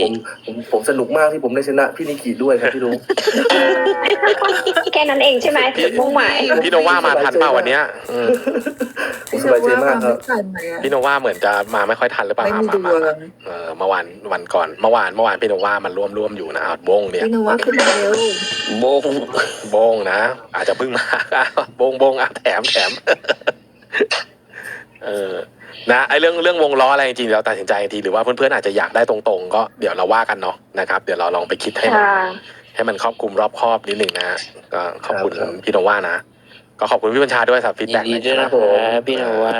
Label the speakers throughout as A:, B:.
A: ผมผมสนุกมากที่ผมได้ชนะพี่นิกิด้วยครับพี่ลุง
B: แค่นั้นเองใช่ไหมจุดมุ่งหมาย
C: พี่โนว่ามาทันเปล่าวันเนี้ย
A: ผมสบายใจมากครับ
C: พี่โนว่าเหมือนจะมาไม่ค่อยทันหรือเปล่า
D: ไม่มีดวง
C: เมื่อวานเมื่อวานพี่โนว่ามันร่วมอยู่นะบงเนี่ย
D: พี่นวัดขึ้นมาเร็ว
C: บงนะอาจจะเพิ่งมาบงแถมนะไอเรื่องวงล้ออะไรจริงๆเราตัดสินใจทีหรือว่าเพื่อนๆอาจจะอยากได้ตรงๆก็เดี๋ยวเราว่ากันเนาะนะครับเดี๋ยวเราลองไปคิดให้มันครอบคลุมรอบคอบนิดหนึ่งนะก็ขอบคุณพี่โนว่านะก็ขอบคุณพี่บัญชาด้วยสำหรับฟีดแบ็ก
E: ยินดีด้วยนะครับพี่โนว่า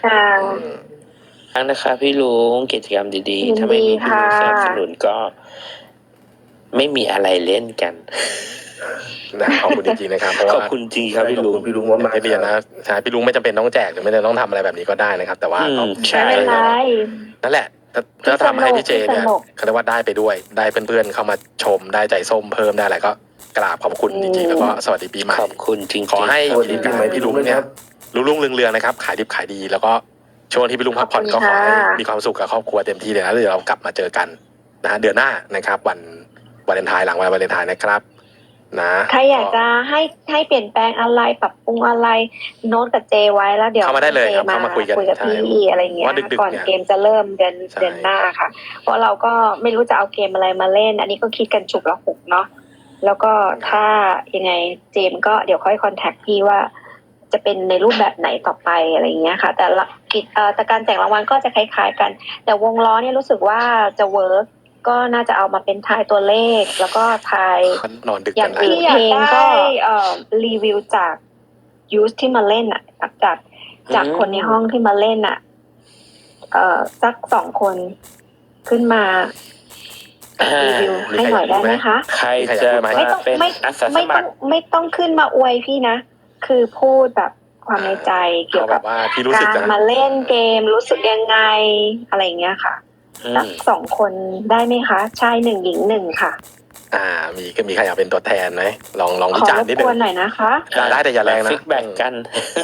E: ทั้งนะครับพี่ลุงกิจกรรมดีๆถ้าไม่มีพี่ลุงสนับสนุนก็ไม่มีอะไรเล่นกัน
C: นะขอบคุณจริงๆนะครับเพราะว่า
E: ขอบคุณจริงครับพี่ลุง
A: พี่ลุงว่ามา
C: ไม่เรียนนะใช่พี่ลุงไม่จำเป็นต้องแจกหรือไม่ได้ต้องทำอะไรแบบนี้ก็ได้นะครับแต่ว่า
E: ใช่
B: ไม่เป็นไร
C: นั่นแหละถ้าทำให้พี่เจเนี่ยเขาเรียกว่าได้ไปด้วยได้เพื่อนๆเข้ามาชมได้ใจส้มเพิ่มได้อะไรก็กราบขอบคุณจริงๆแล้วก็สวัสดีปีใหม่
E: ขอบคุณจริงๆ
C: ขอให้
A: สวัสดีปีใหม่พี่ลุงเนี่ย
C: รุ่งเรืองๆนะครับขายดิบขายดีแล้วก็ช่วงที่พี่ลุงพักผ่อนก็ขอให้มีความสุขกับครอบครัวเต็มที่เลยนะเดี๋ยวเรากลับมาเจอกันนะเดือนหน้านะครับวันวาเลนไทน์หลังวันวาเลนไทน์นะครับนะ
B: ใครอยากจะให้เปลี่ยนแปลงอะไรปรับปรุงอะไรโน้ตกับเจไว้แล้วเดี๋ยว
C: เข้ามาได้เลยครับเข้ามาคุยกัน
B: กับพี่อะไรเงี้ยก่อนเกมจะเริ่มเดือนหน้าค่ะเพราะเราก็ไม่รู้จะเอาเกมอะไรมาเล่นอันนี้ก็คิดกันฉุกละหุกเนาะแล้วก็ถ้ายังไงเจมก็เดี๋ยวค่อยคอนแทคพี่ว่าจะเป็นในรูปแบบไหนต่อไปอะไรเงี้ยค่ะแต่การแจกรางวัลก็จะคล้ายๆกันแต่วงล้อเนี่ยรู้สึกว่าจะเวิร์กก็น่าจะเอามาเป็นทายตัวเลขแล้วก็ทาย
C: นอนดึก
B: อย่างอื่นเพลงก็รีวิวจากยูสที่มาเล่นอ่ะจากคนในห้องที่มาเล่นอ่ะสัก2 คนขึ้นมารีวิวให้หน่อยได้ไหมคะ
E: ใครจะมาเป็นอาสาสมัคร
B: ไม่ต้องขึ้นมาอวยพี่นะคือพูดแบบความในใจเกี่ยวกับ
C: ว่าพี่รู้สึก
B: การมาเล่นเกมรู้สึกยังไงอะไรอย่างเงี้ยค่ะสัก2 คนได้ไหมคะชาย1หญิง1ค่ะ
C: มีใครอยากเป็นตัวแทนไหมลองวิจารณ์นิดนึง
B: ขอรบกวนหน่อยนะคะ
C: ได้แต่อย่าแรงนะ
E: ฟิกแบ่งกัน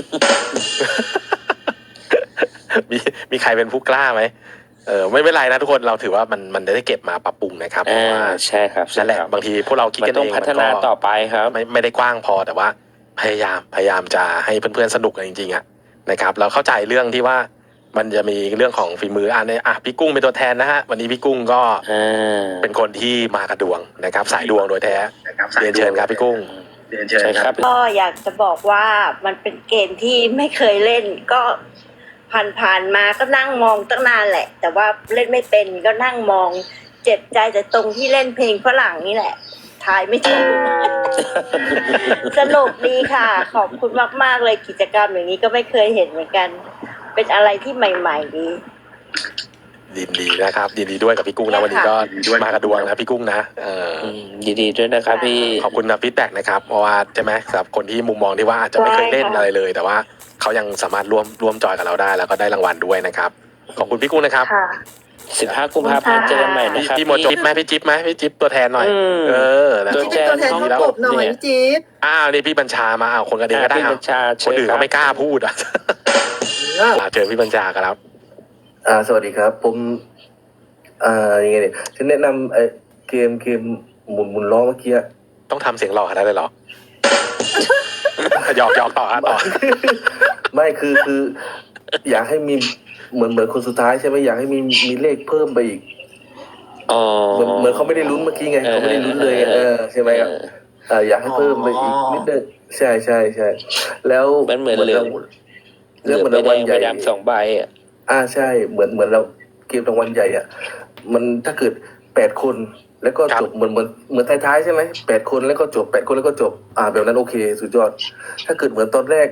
C: มีใครเป็นผู้กล้าไหมไม่เป็นไรนะทุกคนเราถือว่ามันได้เก็บมาปรับปรุงนะครับเพราะว่า
E: ใช่ครับ
C: นั่นแหละบางทีพวกเราคิดกันเอง
E: ต้องพัฒนาต่อไปครับ
C: ไม่ได้กว้างพอแต่ว่าพยายามจะให้เพื่อนๆสนุกกันจริงๆอ่ะนะครับเราเข้าใจเรื่องที่ว่ามันจะมีเรื่องของฝีมือพี่กุ้งเป็นตัวแทนนะฮะวันนี้พี่กุ้งก็เป็นคนที่มากระดวงนะครับสายดวงโดยแท้เรียนเชิญครับพี่กุ้งเรียนเชิญครับ
F: ก็อยากจะบอกว่ามันเป็นเกมที่ไม่เคยเล่นก็ผ่านมาก็นั่งมองตั้งนานแหละแต่ว่าเล่นไม่เป็นก็นั่งมองเจ็บใจแต่ตรงที่เล่นเพลงฝรั่งนี่แหละทายไม่ถูก สนุกดีค่ะ ขอบคุณมากๆเลยกิจกรรมอย่างนี้ก็ไม่เคยเห็นเหมือนกันเป็นอะไรที่ใหม่ๆดี
C: ยินดีนะครับยินดีด้วยกับพี่กุ้งนะวันนี้ก็มากระดวงนะพี่กุ้งนะ
E: ยินดีด้วยนะครับพี่
C: ขอบคุณนะฟีดแบ็กนะครับเพราะว่าใช่ไหมสำหรับคนที่มุมมองที่ว่าอาจจะไม่เคยเล่นอะไรเลยแต่ว่าเขายังสามารถร่วมจอยกับเราได้แล้วก็ได้รางวัลด้วยนะครับขอบคุณพี่กุ้งนะครับ
E: 15 กุมภาพันธ์เจอกันใหม่นะครับ
C: พี่หมดจิ๊บไหมพี่จิ๊บตัวแทนหน่อย
D: ตัวแทนห้องกบหน่อยจิ๊บ
C: นี่พี่บัญชามาคนกันเองก็ได้คนอื่นเขาไม่กล้าพูดเจอพี่บัญชาครับ
A: สวัสดีครับผมยังไงเนี่ยฉันแนะนำเกมหมุนล้อเมื่อกี้
C: ต้องทำเสียงหล่อขนาดนั้นเลยเหรอหยอกต่อ
A: ไม่คืออยากให้มีเหมือนคนสุดท้ายใช่ไหมอยากให้มีเลขเพิ่มไปอีกเหมือนเขาไม่ได้ลุ้นเมื่อกี้ไงเขาไม่ได้ลุ้นเลยใช่ไหมครับอยากให้เพิ่มไปอีกนิดนึงใช่แล้ว
E: เหมือนเรื่องรางวัลใหญ่2 ใบ
A: ใช่เหมือนเราเกมรางวัลใหญ่มันถ้าเกิด8 คนแล้วก็จบเหมือนท้ายๆใช่ไหม8 คนแล้วก็จบ8 คนแล้วก็จบแบบนั้นโอเคสุดยอดถ้าเกิดเหมือนตอนแรก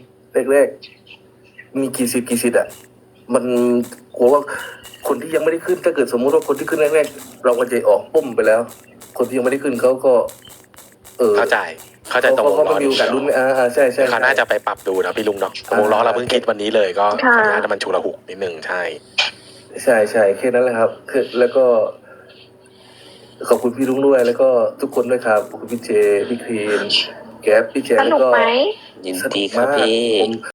A: มีกี่สิทธิ์มันกลัวว่าคนที่ยังไม่ได้ขึ้นถ้าเกิดสมมุติว่าคนที่ขึ้นแรกๆเราก็จะออกปุ้มไปแล้วคนที่ยังไม่ได้ขึ้นเขาก็
C: เข้าใจตรงวงล้อ
A: ดูกันรุ่นใช่
C: เขาน่าจะไปปรับดูนะพี่ลุงเนาะวงล้อเราเพิ่งคิดวันนี้เลยก็น่าจะมันฉุกละหุกนิดนึงใช่
A: แค่นั้นแหละครับคือแล้วก็ขอบคุณพี่ลุงด้วยแล้วก็ทุกคนด้วยครับขอบคุณพี่เจพี่ครีมแก๊ปพี่แจ
B: สนุกไหม
E: ยินดีครับพี่